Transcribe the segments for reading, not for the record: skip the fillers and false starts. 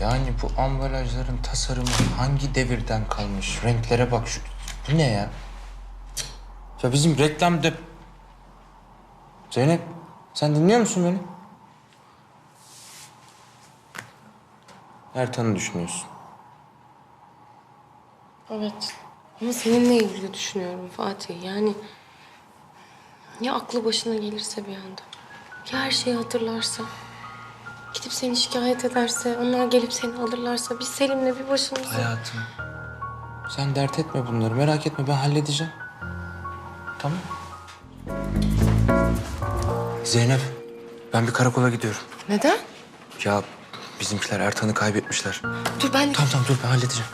Yani bu ambalajların tasarımı hangi devirden kalmış? Renklere bak şu. Bu ne ya? Ya bizim reklamda... Zeynep, sen dinliyor musun beni? Ertan'ı düşünüyorsun. Evet. Ama seninle ilgili düşünüyorum Fatih. Yani ya aklı başına gelirse bir anda. Ya her şeyi hatırlarsa. Gidip seni şikayet ederse, onlar gelip seni alırlarsa biz Selim'le bir başımıza... Hayatım, sen dert etme bunları. Merak etme, ben halledeceğim. Tamam. Zeynep, ben bir karakola gidiyorum. Neden? Ya bizimkiler Ertan'ı kaybetmişler. Dur ben... Tamam dur, ben halledeceğim.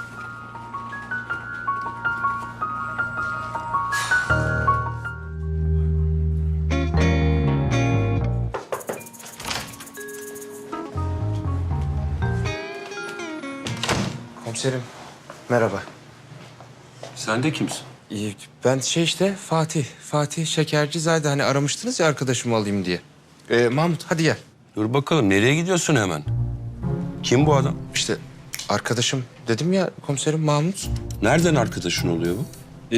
Komiserim, merhaba. Sen de kimsin? Ben işte Fatih Şekercizade, hani aramıştınız ya arkadaşımı alayım diye. Mahmut hadi gel. Dur bakalım, nereye gidiyorsun hemen? Kim bu adam? İşte arkadaşım dedim ya komiserim, Mahmut. Nereden arkadaşın oluyor bu?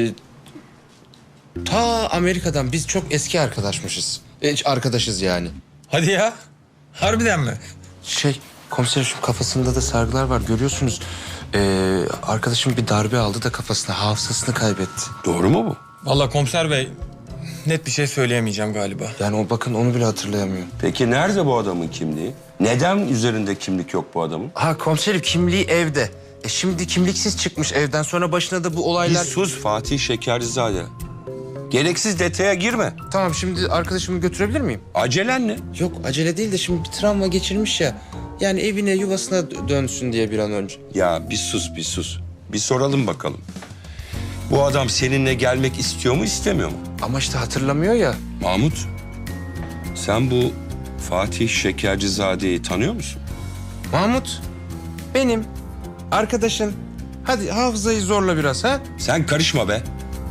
Ta Amerika'dan, biz çok eski arkadaşmışız. Arkadaşız yani. Hadi ya. Harbiden mi? Komiserim, şu kafasında da sargılar var, görüyorsunuz. Arkadaşım bir darbe aldı da kafasına, hafızasını kaybetti. Doğru mu bu? Vallahi komiser bey, net bir şey söyleyemeyeceğim galiba. Yani bakın onu bile hatırlayamıyor. Peki nerede bu adamın kimliği? Neden üzerinde kimlik yok bu adamın? Ha komiserim, kimliği evde. Şimdi kimliksiz çıkmış evden, sonra başına da bu Bir olaylar... sus Fatih Şekercizade. Gereksiz detaya girme. Tamam, şimdi arkadaşımı götürebilir miyim? Acelen ne? Yok, acele değil de şimdi bir travma geçirmiş ya. Yani evine, yuvasına dönsün diye bir an önce. Ya bir sus, bir sus. Bir soralım bakalım. Bu adam seninle gelmek istiyor mu, istemiyor mu? Ama işte hatırlamıyor ya. Mahmut, sen bu Fatih Şekercizade'yi tanıyor musun? Mahmut, benim arkadaşın. Hadi hafızayı zorla biraz ha. Sen karışma be.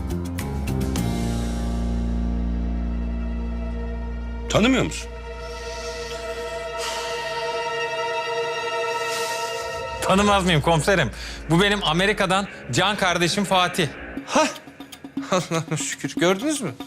Tanımıyor musun? Tanımaz mıyım komiserim? Bu benim Amerika'dan can kardeşim Fatih. Hah. Allah'ım şükür, gördünüz mü?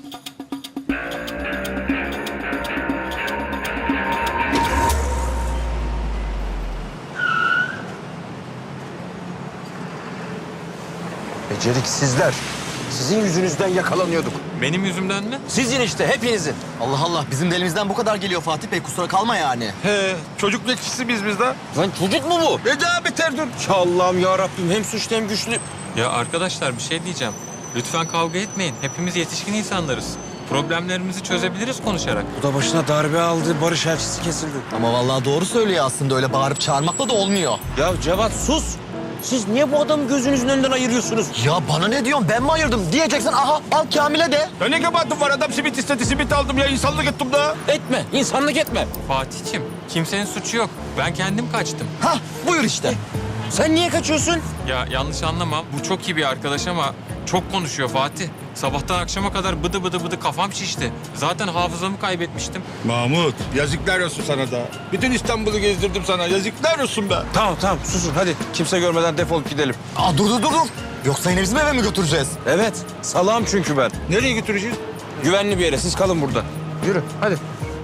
Beceriksizler. Sizin yüzünüzden yakalanıyorduk. Benim yüzümden mi? Sizin işte, hepinizin. Allah Allah, bizim de elimizden bu kadar geliyor Fatih Bey, kusura kalma yani. He, çocuk bekçisi biz de. Lan çocuk mu bu? Ne daha beter dur. Ya Allah'ım ya Rabbim, hem suçlu hem güçlü. Ya arkadaşlar bir şey diyeceğim. Lütfen kavga etmeyin. Hepimiz yetişkin insanlarız. Problemlerimizi çözebiliriz konuşarak. Bu da başına darbe aldı, barış elçisi kesildi. Ama vallahi doğru söylüyor aslında, öyle bağırıp çağırmakla da olmuyor. Ya Cevat sus. Siz niye bu adamı gözünüzün önünden ayırıyorsunuz? Ya bana ne diyorsun, ben mi ayırdım diyeceksin, aha al Kamil'e de. Ya ne kabahatim var, adam simit istedi, simit aldım ya, insanlık ettim da. Etme, insanlık etme. Fatih'ciğim, kimsenin suçu yok. Ben kendim kaçtım. Hah, buyur işte. Sen niye kaçıyorsun? Ya yanlış anlama, bu çok iyi bir arkadaş ama çok konuşuyor Fatih. Sabahtan akşama kadar bıdı bıdı bıdı kafam şişti. Zaten hafızamı kaybetmiştim. Mahmut, yazıklar olsun sana da. Bütün İstanbul'u gezdirdim sana, yazıklar olsun be. Tamam susun, hadi kimse görmeden defolup gidelim. Aa dur. Yoksa yine bizim eve mi götüreceğiz? Evet, salağım çünkü ben. Nereye götüreceğiz? Güvenli bir yere, siz kalın burada. Yürü hadi.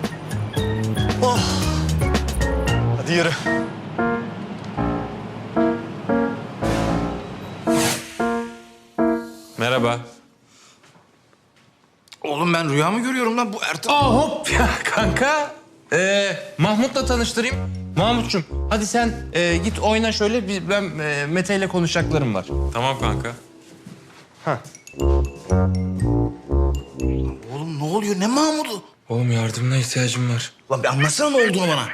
Hadi yürü. Merhaba. Oğlum ben rüya mı görüyorum lan bu Ertan? Hop ya kanka. Mahmut'la tanıştırayım. Mahmut'cum hadi sen git oyna şöyle. Ben Mete ile konuşacaklarım var. Tamam kanka. Oğlum ne oluyor, ne Mahmut'u? Oğlum yardımına ihtiyacım var. Lan bir anlatsana ne olduğunu bana.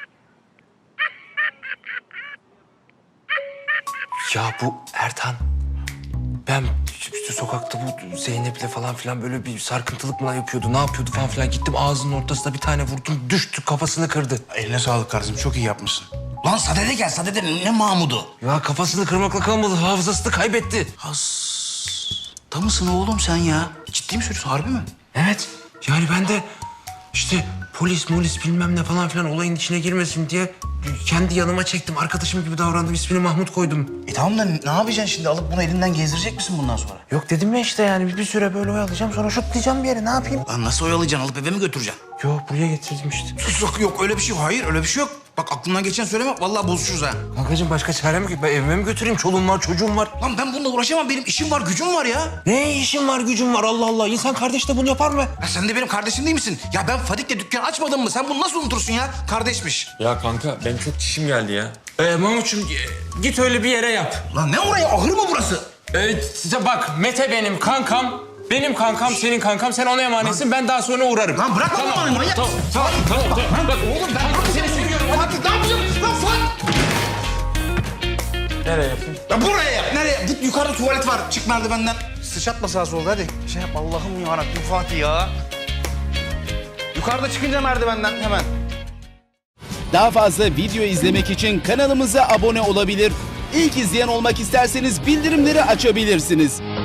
Ya bu Ertan. Ben işte sokakta bu Zeynep'le falan filan böyle bir sarkıntılık mı yapıyordu, ne yapıyordu falan filan. Gittim ağzının ortasına bir tane vurdum, düştü, kafasını kırdı. Eline sağlık kardeşim, çok iyi yapmışsın. Lan sadede gel, sadede ne Mahmut'u? Ya kafasını kırmakla kalmadı, hafızasını kaybetti. Da mısın oğlum sen ya? Ciddi mi söylüyorsun, harbi mi? Evet. Yani ben de İşte polis bilmem ne falan filan olayın içine girmesin diye kendi yanıma çektim. Arkadaşım gibi davrandım. İsmini Mahmut koydum. Tamam da ne yapacaksın şimdi? Alıp bunu elinden gezdirecek misin bundan sonra? Yok dedim ya işte yani bir süre böyle oyalayacağım sonra şutlayacağım bir yere ne yapayım? Lan nasıl oyalayacaksın? Alıp eve mi götüreceksin? Yok buraya getirdim işte. Sus yok öyle bir şey yok. Hayır öyle bir şey yok. Bak aklından geçen söyleme. Vallahi bozuşuruz ha. Kankacığım başka çarem yok ki. Ben evime mi götüreyim? Çoluğum var, çocuğum var. Lan ben bununla uğraşamam. Benim işim var, gücüm var ya. Ne işim var, gücüm var Allah Allah. İnsan kardeş de bunu yapar mı? Ya sen de benim kardeşim değil misin? Ya ben Fadik'le dükkan açmadım mı? Sen bunu nasıl unutursun ya? Kardeşmiş. Ya kanka benim çok çişim geldi ya. Mahmut'cum git öyle bir yere yap. Lan ne oraya? Ahır mı burası? Bak Mete benim kankam. Benim kankam, senin kankam. Sen ona emanetsin. Ben daha sonra uğrarım. Lan bırak lan bana manyak. Tamam. Bak oğlum ben seni seviyorum. Fatih ne yapacaksın? Lan Fatih. Nereye yapayım? Ya buraya yap. Nereye? Git yukarıda tuvalet var. Çık merdivenden. Sıçratma sağa solda hadi. Şey yap Allah'ım yarabbim Fatih ya. Yukarıda çıkınca merdivenden hemen. Daha fazla video izlemek için kanalımıza abone olabilir. İlk izleyen olmak isterseniz bildirimleri açabilirsiniz.